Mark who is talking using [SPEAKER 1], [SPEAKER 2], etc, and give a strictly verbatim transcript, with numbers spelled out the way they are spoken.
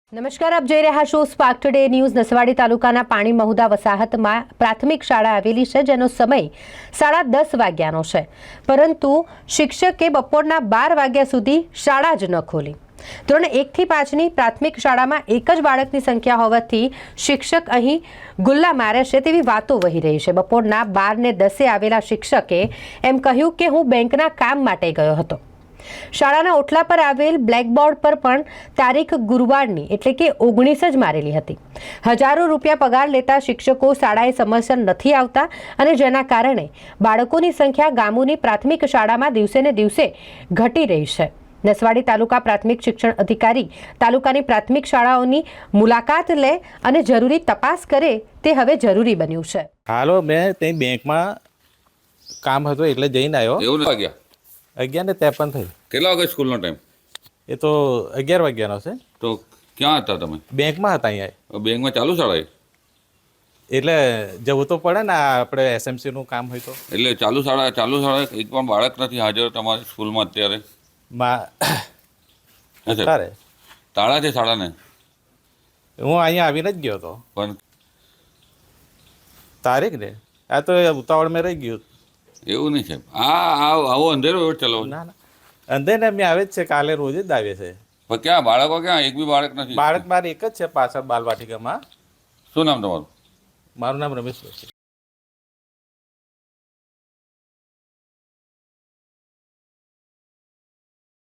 [SPEAKER 1] નમસ્કાર, આપ જોઈ રહ્યા છો સ્પાર્ક ટુડે ન્યૂઝ। નસવાડી તાલુકાના પાણી મહુદા વસાહતમાં પ્રાથમિક શાળા આવેલી છે, જેનો સમય સાડા દસ વાગ્યાનો છે, પરંતુ શિક્ષકે બપોરના બાર વાગ્યા સુધી શાળા જ ન ખોલી। ધોરણ એકથી પાંચની પ્રાથમિક શાળામાં એક જ બાળકની સંખ્યા હોવાથી શિક્ષક અહીં ગુલ્લા મારે છે તેવી વાતો વહી રહી છે। બપોરના બાર ને દસે આવેલા શિક્ષકે એમ કહ્યું કે હું બેંકના કામ માટે ગયો હતો। શાળાના ઓટલા પર આવેલ બ્લેકબોર્ડ પર પણ તારીખ ગુરુવારની એટલે કે ઓગણીસ જ મારેલી હતી। હજારો રૂપિયા પગાર લેતા શિક્ષકો શાળાએ સમયસર નથી આવતા અને જેના કારણે બાળકોની સંખ્યા ગામોની પ્રાથમિક શાળામાં દિવસે ને દિવસે ઘટી રહી છે। નસવાડી તાલુકા પ્રાથમિક શિક્ષણ અધિકારી તાલુકાની પ્રાથમિક શાળાઓની મુલાકાત લે અને જરૂરી તપાસ કરે તે હવે જરૂરી બન્યું છે।
[SPEAKER 2] હાલો, મેં ત્યાં બેંકમાં કામ હતું એટલે જઈને આવ્યો।
[SPEAKER 3] એવું વાગ્યા
[SPEAKER 2] અગિયાર ને ત્રેપન થઈ।
[SPEAKER 3] કેટલા વાગે સ્કૂલનો ટાઈમ?
[SPEAKER 2] એ તો અગિયાર વાગ્યાનો છે।
[SPEAKER 3] તો ક્યાં હતા તમે?
[SPEAKER 2] બેંકમાં હતા અહીંયા।
[SPEAKER 3] બેંકમાં ચાલુ શાળા?
[SPEAKER 2] એટલે જવું તો પડે ને, આપણે એસએમસીનું કામ હોય તો।
[SPEAKER 3] એટલે ચાલુ શાળા ચાલુ શાળા એક પણ બાળક નથી હાજર તમારી સ્કૂલમાં અત્યારે?
[SPEAKER 2] અત્યારે
[SPEAKER 3] તાળા છે શાળાને?
[SPEAKER 2] હું અહીંયા આવીને જ ગયો હતો
[SPEAKER 3] પણ
[SPEAKER 2] તારીખ ને આ તો ઉતાવળ મેં રહી ગયું।
[SPEAKER 3] એવું નહીં સાહેબ, આ આવો અંધેરો એવો ચલો
[SPEAKER 2] ના ના, અંદર ને અમે આવે જ છે, કાલે રોજ જ આવે છે।
[SPEAKER 3] પણ ક્યાં બાળકો ક્યાં? એક બી બાળક નથી?
[SPEAKER 2] બાળક મારે એક જ છે પાછળ બાલવાટિકામાં।
[SPEAKER 3] શું નામ તમારું?
[SPEAKER 2] મારું નામ રમેશ છે।